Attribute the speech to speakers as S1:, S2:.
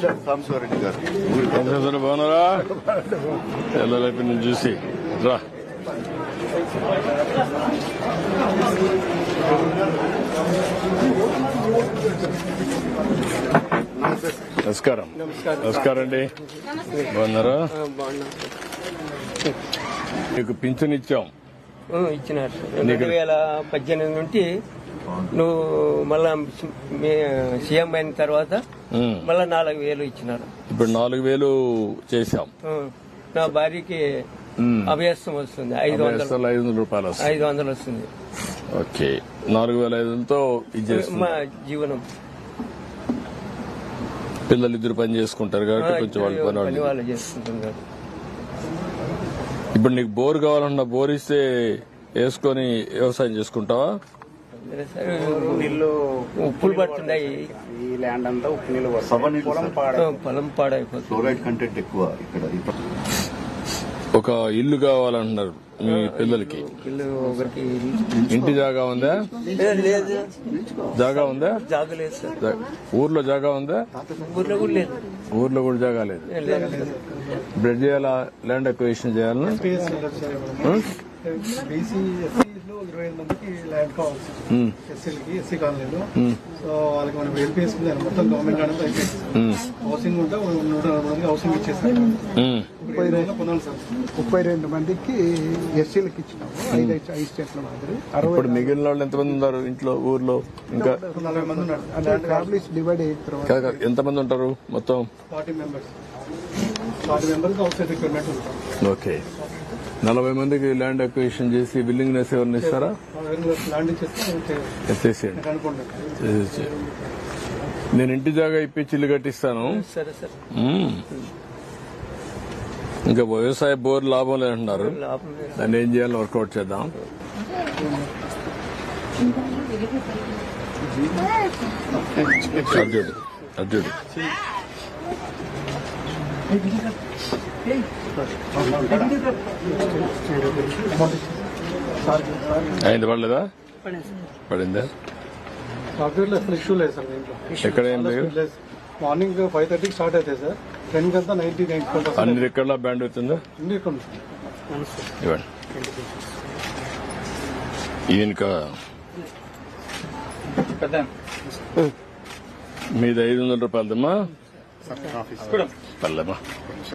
S1: సాంబశివరెడ్డి గారు.
S2: బాగున్నారా? పిల్లలైపు నేను చూసి రా. నమస్కారం. నమస్కారం అండి. బాగున్నారా? నీకు పింఛన్ ఇచ్చాం.
S3: ఇచ్చినారు 2018 నుండి. నువ్వు మళ్ళా సీఎం అయిన తర్వాత మళ్ళా 4,000 ఇచ్చినారు.
S2: ఇప్పుడు 4,000 చేశాం.
S3: నా భార్యకి అభ్యాసం వస్తుంది 500
S2: రూపాయలు.
S3: 500 వస్తుంది.
S2: ఓకే, 4,500తో
S3: మా జీవనం.
S2: పిల్లలు ఇద్దరు పని చేసుకుంటారు కాబట్టి కొంచెం
S3: పని వాళ్ళు చేసుకుంటున్నారు.
S2: ఇప్పుడు నీకు బోర్ కావాలన్నా బోర్ ఇస్తే వేసుకొని వ్యవసాయం చేసుకుంటావా?
S3: ఉప్పులు పడుతున్నాయి.
S4: ఈ ల్యాండ్ అంతా ఉప్పు నీళ్ళు
S3: పొలం పాడైపోతుంది.
S1: ఫ్లోరైడ్ కంటెంట్ ఎక్కువ ఇక్కడ.
S2: ఒక ఇల్లు కావాలంటున్నారు మీ పిల్లలకి.
S3: ఒకరికి
S2: ఇంటి జాగా ఉందా?
S3: లేదు.
S2: జాగా ఉందా?
S3: జాగా లేదు సార్.
S2: ఊర్లో జాగా ఉందా?
S3: ఊర్లో కూడా లేదు.
S2: ఊర్లో కూడా జాగా లేదు. బ్లడ్ చేయాలా? ల్యాండ్ అక్విజిషన్ చేయాలా?
S5: బీసీ ఎస్సీలో 25 మందికి ల్యాండ్ కావాలి ఎస్సీలకి, ఎస్సీ కాలనీలో. సో వాళ్ళకి మనం ఎల్పీఎస్ మొత్తం గవర్నమెంట్ ల్యాండ్ అయిపోయింది. హౌసింగ్ ఉంటే 140 మందికి హౌసింగ్ ఇచ్చేసారు. 32 మందికి ఎస్సీలకు ఇచ్చినాము. 5 స్టేట్ల మాదిరి.
S2: ఇప్పుడు మిగిలిన వాళ్ళు ఎంతమంది ఉన్నారు ఇంట్లో ఊర్లో? ఇంకా
S5: 40 మంది ఉన్నారు. ఫ్యామిలీస్ డివైడ్ అయిన తర్వాత
S2: ఎంతమంది ఉంటారు మొత్తం?
S5: 40 members. 40 members house side requirement ఉంటాం.
S2: ఓకే, 40 మందికి ల్యాండ్ అక్విజిషన్ చేసి బిల్డింగ్నెస్ ఎవరిని ఇస్తారా?
S5: ల్యాండ్
S2: ఎత్తేసేయండి. నేను ఇంటి జాగా ఇప్పించి ఇల్లు కట్టిస్తాను.
S3: సరే సార్.
S2: ఇంకా వ్యవసాయ బోర్ లాభం లేదంటున్నారు. దాన్ని ఏం చేయాలని వర్కౌట్ చేద్దాం. అర్జుడు అయింది. పడలేదా? పడిందా?
S5: సాఫ్ట్వేర్ లో అసలు ఇష్యూ లేదు సార్. దీంట్లో
S2: ఎక్కడ ఏం లేదు.
S5: మార్నింగ్ 5:30 స్టార్ట్ అవుతాయి సార్. 10 కంతా 90-95%
S2: అన్ని రికార్డుల బ్యాండ్ అవుతుందా? ఇవ్వండి. ఈయనక మీది 500 రూపాయలదమ్మా. పర్లేమ్మా.